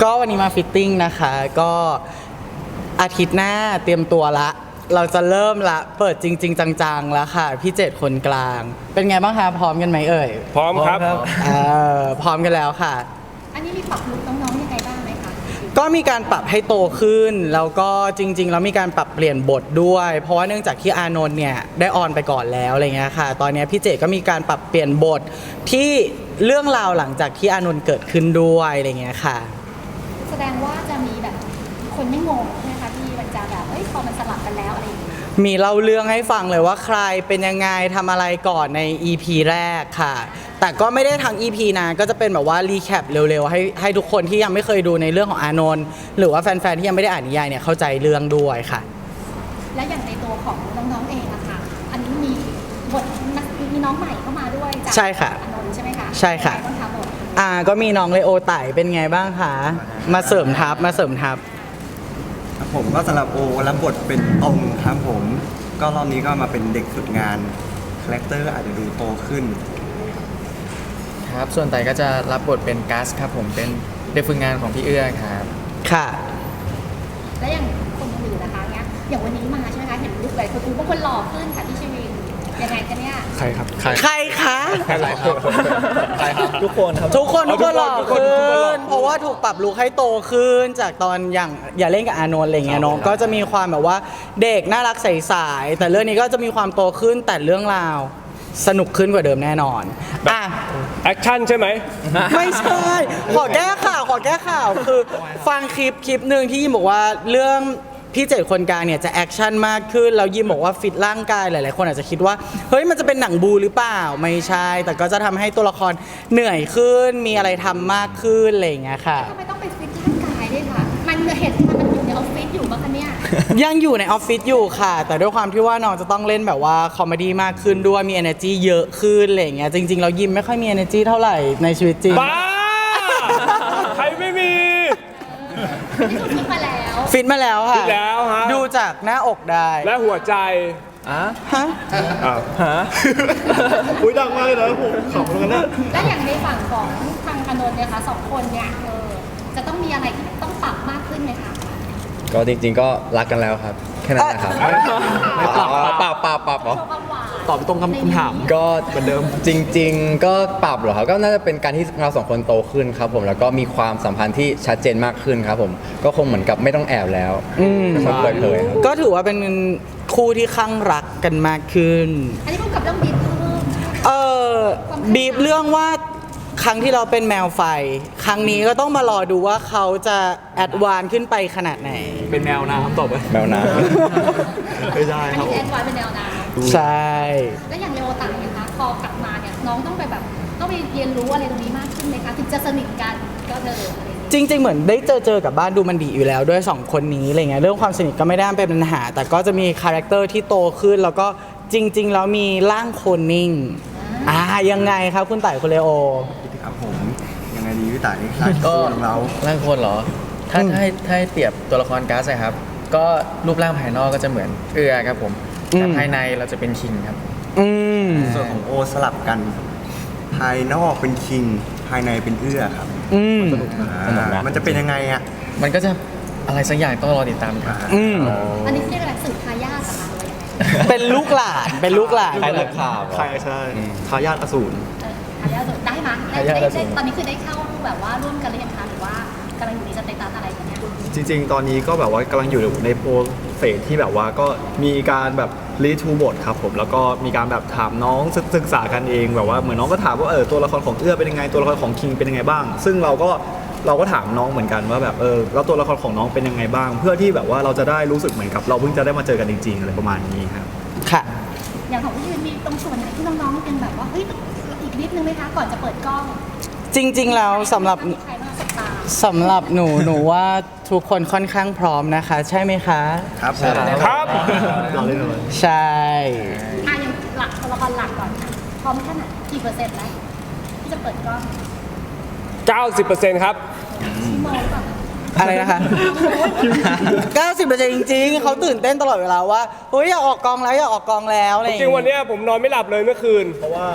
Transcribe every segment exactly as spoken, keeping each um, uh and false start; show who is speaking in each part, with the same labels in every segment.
Speaker 1: ก็วันนี้มาฟิตติ้งนะคะก็อาทิตย์หน้าเตรียมตัวละเราจะเริ่มละเปิดจริงๆจังๆแล้วค่ะพี่เจ็ดคนกลางเป็นไงบ้างคะพร้อมกันไหมเอ่ย
Speaker 2: พร้อมครับ
Speaker 1: เออพร้อมกันแล้วค่ะ
Speaker 3: อันนี้มีปรับลุคน้องๆยังไงบ้างไหมคะ
Speaker 1: ก็มีการปรับให้โตขึ้นแล้วก็จริงๆแล้วมีการปรับเปลี่ยนบทด้วย เพราะว่าเนื่องจากที่อานนท์เนี่ยได้ออนไปก่อนแล้วอะไรเงี้ยค่ะตอนนี้พี่เจก็มีการปรับเปลี่ยนบทที่เรื่องราวหลังจากที่อานนท์เกิดขึ้นด้วยอะไรเงี้ยค่ะ
Speaker 3: แสดงว่าจะมีแบบคนไม่งงใช่ไหมคะที่มันจะแบบเอ้ยพอมันสลับกันแล้วอะไรอย่างเงี้ย
Speaker 1: มีเล่าเรื่องให้ฟังเลยว่าใครเป็นยังไงทำอะไรก่อนใน อี พี แรกค่ะ แต่ก็ไม่ได้ทั้ง อี พี นะก็จะเป็นแบบว่ารีแคปเร็วๆให้ให้ทุกคนที่ยังไม่เคยดูในเรื่องของอานนท์หรือว่าแฟนๆที่ยังไม่ได้อ่านนิยายเนี่ยเข้าใจเรื่องด้วยค่ะ
Speaker 3: และอย่างในตัวของน้องๆเองอะค่ะ อันนี้มีบทนักมีน้องใหม่เข้ามาด้วยจาก
Speaker 1: ใช่ค่ะ
Speaker 3: อานนท์ใช่ไหมคะ
Speaker 1: ใช่ค่ะ
Speaker 3: เป็นไงบ้างคะบท
Speaker 1: อ่าก็มีน้องเลโอไต่เป็นไงบ้างคะมาเสริมทัพมาเสริมทัพ
Speaker 4: ครับผมก็สำหรับโอรับบทเป็นตรงครับผมก็รอบนี้ก็มาเป็นเด็กฝึกงานคาแรคเตอร์อาจจะดูโตขึ้น
Speaker 5: ครับส่วนไต่ก็จะรับบทเป็นกัสครับผมเป็นเด็กฝึกงานของพี่เอื้อครับ
Speaker 1: ค่ะ
Speaker 3: และอย่างคนอื่นๆนะคะเนี้ยอย่างวันนี้มาใช่ไหมคะเห็นลุคหลายคนดูบางคนหล่อขึ้นค่ะพี่ชวินยังไงคะเนี่ย
Speaker 2: ใครครับ ใคร
Speaker 1: ใครคะ
Speaker 2: ใครครับใครครับทุกคนครับ
Speaker 1: ทุกคนทุกคนหล่อ
Speaker 2: ทุกคน
Speaker 1: ขึ้
Speaker 2: ทุกคนหล่อ
Speaker 1: น เพราะว่าถูกปรับลุคให้โตขึ้นจากตอนอย่างอย่าเล่นกับอานนท์อะไรเงี้ยเน้องก็จะมีความแบบว่าเด็กน่ารักใสๆแต่เรื่องนี้ก็จะมีความโตขึ้นแต่เรื่องราวสนุกขึ้นกว่าเดิมแน่นอนอ่ะ
Speaker 2: แอคชั่นใช่ไหม
Speaker 1: ไม่ใช่ ขอแก้ข่าว ขอแก้ข่าว คือฟังคลิปคลิปหนึ่งที่ยิมบอกว่าเรื่องพี่เจ็ดคนกลางเนี่ยจะแอคชั่นมากขึ้น แล้วยิมบอกว่าฟิตร่างกายหลายๆคนอาจจะคิดว่า เฮ้ยมันจะเป็นหนังบูหรือเปล่า ไม่ใช่ แต่ก็จะทำให้ตัวละครเหนื่อยขึ้น มีอะไรทำมากขึ้นอะไรอย่างเงี้ยค่ะ
Speaker 3: ทำไมต้องไปฟิตร่างกายด้วยคะมันเห็นมันอยู่ในออฟฟิศอยู่บ้างคะเนี่ย
Speaker 1: ยังอยู่ในออฟฟิศอยู่ค่ะ แต่ด้วยความที่ว่าน้องจะต้องเล่นแบบว่าคอมเมดี้มากขึ้นด้วยมี energy เยอะขึ้นอะไรอย่างเงี้ยจริงๆเรายิมไม่ค่อยมี energy เท่าไหร่ในชีวิตจริง
Speaker 2: บ้า ใครไม่มี
Speaker 3: นี่คือฟิตมาแล้ว
Speaker 1: ฟิตมาแล้วค่ะ
Speaker 2: ฟิตแล้วฮะ
Speaker 1: ดูจากหน้าอกได้
Speaker 2: และหัวใจ
Speaker 5: อ่ะ
Speaker 1: ฮะ
Speaker 2: อ้าว
Speaker 5: ฮะ
Speaker 4: อุ้ยดังมากเลยนะผมขำเลยนะ
Speaker 3: และอย่างในฝั่งของทางอานนท์เนี่ยค่ะสองคนเนี่ยเออจะต้องมีอะไรที่ต้องปรับมากขึ้นไหมคะ
Speaker 5: ก็จริงๆก็รักกันแล้วครับ แค่นั้นนะครับอ๋อปรับปรับปรับเหรอ
Speaker 3: โชว์ความหวาน
Speaker 1: ตอบตรงคำถาม
Speaker 5: ก็เหมือนเดิมจริง ๆ ก็ปรับเหรอครับก็น่าจะเป็นการที่เราสองคนโตขึ้นครับผมแล้วก็มีความสัมพันธ์ที่ชัดเจนมากขึ้นครับผมก็คงเหมือนกับไม่ต้องแอบแล้ว
Speaker 1: อืม
Speaker 5: ครับเปิดเผยครับ
Speaker 1: ก็ถือว่าเป็นคู่ที่ข้างรักกันมากขึ้น
Speaker 3: อันนี้พูดกับเรื่องบีบเพิ่ม
Speaker 1: เออบีบเรื่องว่าครั้งที่เราเป็นแมวไฟ ครั้งนี้ก็ต้องมารอดูว่าเขาจะแอดวานซ์ขึ้นไปขนาดไหน
Speaker 6: เป็นแมวน้ำตบไป
Speaker 5: แมวน้
Speaker 4: ไม่ได้
Speaker 3: อัน
Speaker 4: ครับ
Speaker 3: นี้
Speaker 4: ผ
Speaker 3: แอ
Speaker 4: ม
Speaker 3: ดวานซ์เป็นแนวน้
Speaker 1: ใช่
Speaker 3: ำและอย่างเรโอตังนะคะพอกลับมาเนี่ยน้องต้องไปแบบต้องไปเรียนรู้อะไรตรงนี้มากขึ้นไหมคะถึงจะสนิทกันก็เธออะไรอย่างเงี้ย
Speaker 1: จริง ๆ เหมือนได้เจอเจอกับบ้านดูมันดีอยู่แล้วด้วยสองคนนี้อะไรเงี้ยเรื่องความสนิทก็ไม่ได้เป็นปัญหา แต่ก็จะมีคาแรคเตอร์ที่โตขึ้น แล้วก็จริง ๆ แล้วมีร่างโคนนิ่งอ่ายังไงครับคุณไต่คุณเลโอ
Speaker 4: ครับผมยังไงดีพี่ต่ายคาแรคเตอร์ของเรา
Speaker 5: ำร่างคนเหรอ ถ้า
Speaker 1: อืม
Speaker 5: ถ้าให้ถ้าให้เปรียบตัวละครกัสนะครับ ก็รูปร่างภายนอกก็จะเหมือนเอื้อครับผมแต่ภายในเราจะเป็นคิงครับ
Speaker 1: อืม
Speaker 4: ส่วนของโอสลับกัน ภายนอกเป็นคิง ภายในเป็นเอื้อครับ
Speaker 1: อืม
Speaker 5: สนุกนะ
Speaker 4: อ่ามันจะเป็นยังไงอ่ะ
Speaker 5: มันก็จะอะไรสักอย่างต้องรอติดตามครับ
Speaker 1: อืม
Speaker 3: อันนี้เรียกอะไรสืบทายาทเหรอคะหรือว่ายังไง
Speaker 1: เป็นลูกหลานเป็นลูกหลาน
Speaker 5: ใครนักข่าว
Speaker 6: ใช่ใช่ทายาทอสูร
Speaker 3: เออทายาทได้ไหมได้
Speaker 5: ทายาท
Speaker 3: ได้
Speaker 5: อสู
Speaker 3: ได้
Speaker 5: ร
Speaker 3: ตอนนี้คือได้เข้าแบบว่าร่วมกันหรือยังคะหรือว่ากำลังอยู่ในสเตตัสอะไรกันเนี่ย
Speaker 6: จริง ๆ ตอนนี้ก็แบบว่ากำลังอยู่ในโปรเซสที่แบบว่าก็มีการแบบรีทูบทครับผมแล้วก็มีการแบบถามน้องศึกศึกษากันเองแบบว่าเหมือนน้องก็ถามว่าเออตัวละครของเอื้อเป็นยังไงตัวละครของคิงเป็นยังไงบ้าง ซึ่งเราก็เราก็ถามน้องเหมือนกันว่าแบบเออแล้วตัวละครของน้องเป็นยังไงบ้าง เพื่อที่แบบว่าเราจะได้รู้สึกเหมือนกับเราเพิ่งจะได้มาเจอกันจริงๆอะไรประมาณนี้ครับ
Speaker 1: ค่ะ
Speaker 3: อย่างของพี่ยืนมีตรงส่วนไหนที่น้องๆยังแบบว่าเฮ้ยอีกนิดนึงไหมคะก่อนจะเปิดกล้อง
Speaker 1: จริง ๆ แล้วสำหรับ
Speaker 3: มีใครบ้างสบตา
Speaker 1: สำหรับหนูหนูว่าทุกคนค่อนข้างพร้อมนะคะ ใช่ไหมคะ
Speaker 4: ครับผม
Speaker 2: ครับ
Speaker 6: เราเล่นเลย
Speaker 1: ใช่
Speaker 3: อ่ะอย่างหลักตัวละครหลักก่อนค่ะพร้อมแค่ไหนกี่เปอร์เซ็นต์แล้วที่จะเปิดกล้อง
Speaker 2: เก้าสิบเปอร์เซ็นต์ ครับ
Speaker 3: ชั่วโมงก่อน
Speaker 1: อะไรนะคะ เก้าสิบเปอร์เซ็นต์ จริงๆ เขาตื่นเต้นตลอดเวลาว่าเฮ้ยอยากออกกองแล้วอยากออกกองแล้วอะไรอ
Speaker 2: จ
Speaker 1: ย่าง
Speaker 2: ริง
Speaker 1: งี้
Speaker 2: วันเนี้ยผมนอนไม่หลับเลยเมื่อคืน
Speaker 6: เพราะว่า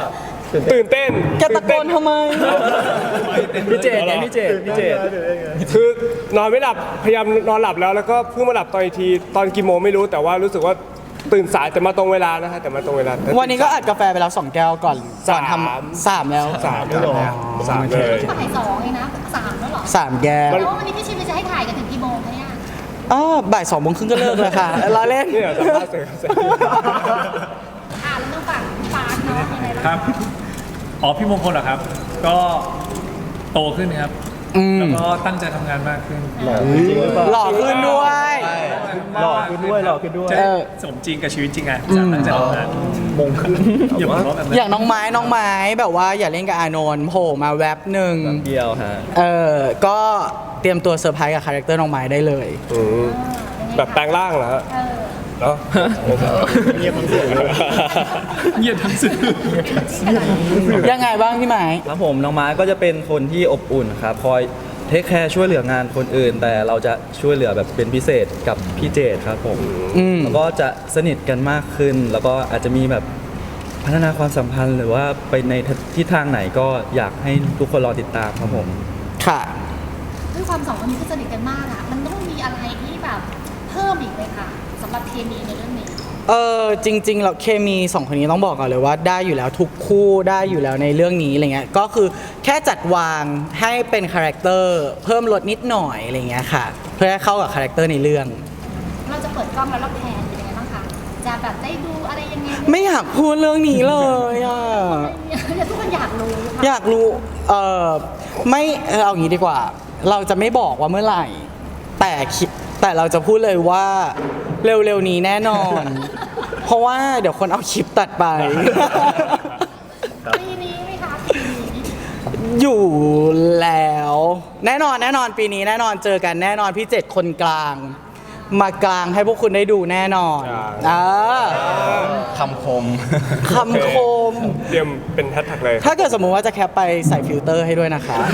Speaker 2: ตื่นเต้น
Speaker 1: แกตะโกนทำไม
Speaker 2: พี่เจดไงพี่เจดพี่เจดคือนอนไม่หลับพยายามนอนหลับแล้วแล้วก็เพิ่งมาหลับตอนอีกทีตอนกี่โมงไม่รู้แต่ว่ารู้สึกว่าตื่นสายแต่มาตรงเวลานะฮะแต่มาตรงเวลา
Speaker 1: วันนี้ก็อัดกาแฟไปแล้วสองแก้วก่อนก่อนทำสามแล้ว
Speaker 2: สามเลยเหรอสามเลย
Speaker 3: บ่ายสองเองนะสามแล้วเหรอ
Speaker 1: สามแก้ว
Speaker 3: แล้ววันนี้พี่ชิมจะให้ถ่ายกันถึงกี่โมงคะเนี่ย
Speaker 1: อ๋อบ่ายสองโมงครึ่งก็เลิกแล้วค่ะเราเล่น
Speaker 2: เนี่ยสัมภาษณ์เสร็จเสร็จ
Speaker 3: อ่าแล้วต้องฝากฝากเนาะยังไงล่ะ
Speaker 7: ครับ อ๋อ พี่มงคลเหรอครับ ก็โตขึ้นครับ
Speaker 1: อืม
Speaker 7: แล้วก็ตั้งใจทำงานมากขึ้น
Speaker 1: หล่อขึ้นด้วย
Speaker 7: หล่อขึ้นด้วย หล่อขึ้นด้วย
Speaker 1: เออ
Speaker 7: สมจริงกับชีวิตจริงอ่ะจะตั้งใจทำงานมงขึ้นอย่าบอกว่าแบบนั้น
Speaker 1: อย่างน้องไม้น้องไม้แบบว่าอย่าเล่นกับอานนท์โผล่มาแวบหนึ่ง
Speaker 2: เดียวฮะ
Speaker 1: เออก็เตรียมตัวเซอร์ไพรส์กับคาแรคเตอร์น้องไม้ได้เลย
Speaker 2: อืมแบบแปลงร่างเหรอฮะ
Speaker 3: เออ
Speaker 2: เนาะ
Speaker 6: เงียบทั้งเสียงเลย
Speaker 7: เงียบทั้งสื่อ
Speaker 1: ยังไงบ้างพี่ไม้
Speaker 8: ครับผมน้องม้าก็จะเป็นคนที่อบอุ่นครับคอยเทคแคร์ช่วยเหลืองานคนอื่น แต่เราจะช่วยเหลือแบบเป็นพิเศษกับพี่เจดครับผม
Speaker 1: อืม
Speaker 8: แล้วก็จะสนิทกันมากขึ้น แล้วก็อาจจะมีแบบพัฒนาความสัมพันธ์ หรือว่าไปในทิศทางไหนก็อยากให้ทุกคนรอติดตามครับผม
Speaker 1: ค่ะ
Speaker 3: ด้วยความสองคนนี้ที่สนิทกันมากอะมันต้องมีอะไรที่แบบเพิ่มอีกไหมคะสำหรับเคมีในเรื่องนี้
Speaker 1: เออจริงๆแล้วเคมีสองคนนี้ต้องบอกก่อนเลยว่าได้อยู่แล้วทุกคู่ได้อยู่แล้วในเรื่องนี้อะไรเงี้ยก็คือแค่จัดวางให้เป็นคาแรคเตอร์เพิ่มลดนิดหน่อยอะไรเงี้ยค่ะ เพื่อให้เข้ากับคาแรคเตอร์ในเรื่อง
Speaker 3: เราจะเปิดกล้องแล้วเราแพนเป็นยังไงบ้างคะจะแบบได้ดูอะไรยังไง
Speaker 1: ไม่อยากพูดเรื่องนี้เลยอ่ะ
Speaker 3: เดี๋ยวทุกคนอยากรู้ค่ะ
Speaker 1: อยากรู้เออไม่เออเอางี้ดีกว่า เราจะไม่บอกว่าเมื่อไหร่ แต่คิดแต่เราจะพูดเลยว่าเร็วๆนี้แน่นอน เพราะว่าเดี๋ยวคนเอาคลิปตัดไป
Speaker 3: ปีนี้ไหมคะปีนี้
Speaker 1: อยู่แล้ว แน่นอนแน่นอนปีนี้แน่นอนเจอกันแน่นอนพี่เจ็ดคนกลาง มากลางให้พวกคุณได้ดูแน่นอนเออ
Speaker 5: คำคม
Speaker 1: คำคม
Speaker 2: เตรียมเป็นแฮชแท็กเลย
Speaker 1: ถ้าเกิดสมมุติว่าจะแคปไปใส่ฟิลเตอร์ให้ด้วยนะคะ
Speaker 3: อ่ะ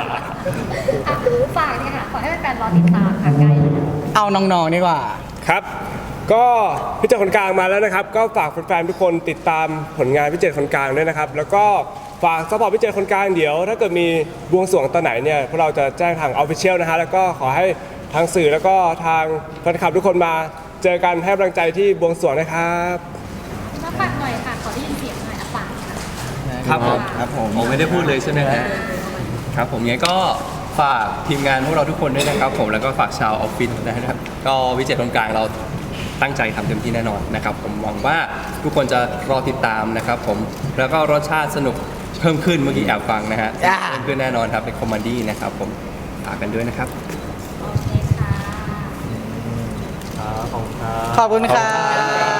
Speaker 3: ฝากเนี่ยค่ะขอให้แฟนๆรอติดตามค่ะใกล้แล้ว
Speaker 1: เอาน้องๆดีกว่า
Speaker 2: ครับ ก็พี่เจดคนกลางมาแล้วนะครับ ก็ฝากแฟนๆทุกคนติดตามผลงานพี่เจดคนกลางด้วยนะครับ แล้วก็ฝากซัพพอร์ตพี่เจดคนกลางเดี๋ยว ถ้าเกิดมีบวงสรวงตอนไหนเนี่ยพวกเราจะแจ้งทางออฟฟิเชียลนะฮะแล้วก็ขอให้ทางสื่อแล้วก็ทางแฟนคลับทุกคนมาเจอกันให้กำลังใจที่บวงสรวงนะครับ
Speaker 3: มาฝากหน่อยค่ะขอได้ยินเสียงหน่อยอ่ะฝากค่ะ
Speaker 9: ครับผม
Speaker 4: ครับผม
Speaker 9: ผมไม่ได้พูดเลยใช่ไหมฮะครับผมงั้นก็ฝากทีมงานพวกเราทุกคนด้วยนะครับผมแล้วก็ฝากชาวออฟฟิศนะครับ ก็วิจัยตรงกลางเราตั้งใจทำเต็มที่แน่นอนนะครับ ผมหวังว่าทุกคนจะรอติดตามนะครับผมแล้วก็รสชาติสนุกเพิ่มขึ้นเมื่อกี้แอบฟังนะฮะ
Speaker 1: จ้า
Speaker 9: เพิ่มขึ้นแน่นอนครับเป็นคอมเมดี้นะครับผมฝากกันด้วยนะครับ
Speaker 3: โอเคค่ะ
Speaker 1: ขอบคุณค่ะ